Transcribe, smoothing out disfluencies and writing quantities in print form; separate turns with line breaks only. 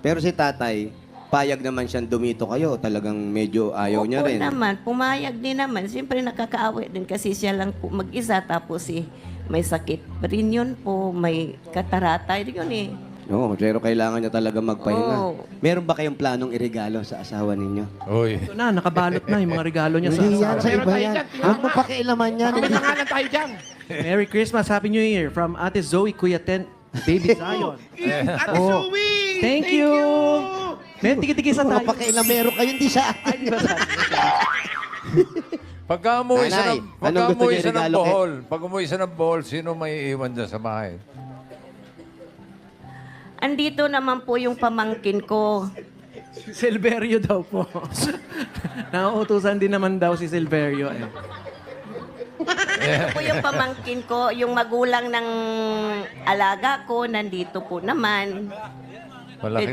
Pero si tatay, payag naman siyang dumito kayo. Talagang medyo ayaw niya rin.
Oo naman, pumayag din naman. Siyempre nakakaaway din kasi siya lang po mag-isa tapos may sakit rin yun po, may katarata yun eh.
Oo, pero kailangan niya talaga magpahinga.
Oo.
Meron ba kayong planong iregalo sa asawa ninyo?
Uy.
Ito na, nakabalot na yung mga regalo niya sa
Hindi yan,
asawa.
sa
Meron
iba
tayo
yan.
dyan,
Huwag mo pakialaman yan.
May pangalan tayo dyan.
Merry Christmas, Happy New Year from Ate Zoe, Kuya Ten, Baby Zion.
Ate
Oh.
Zoe!
Thank you! May tigi-tigisa
Mga
tayo.
pakialamero kayo, hindi sa akin.
Pagka umuwi
Nanay,
siya
anong gusto niyo
ng
regalo,
Bohol, pag umuwi siya ng Bohol, sino may iwan dyan sa bahay?
Andito naman po yung pamangkin ko.
Silverio daw po. Nauutusan din naman daw si Silverio. Eh.
Ito po yung pamangkin ko, yung magulang ng alaga ko, nandito po naman.
Malaki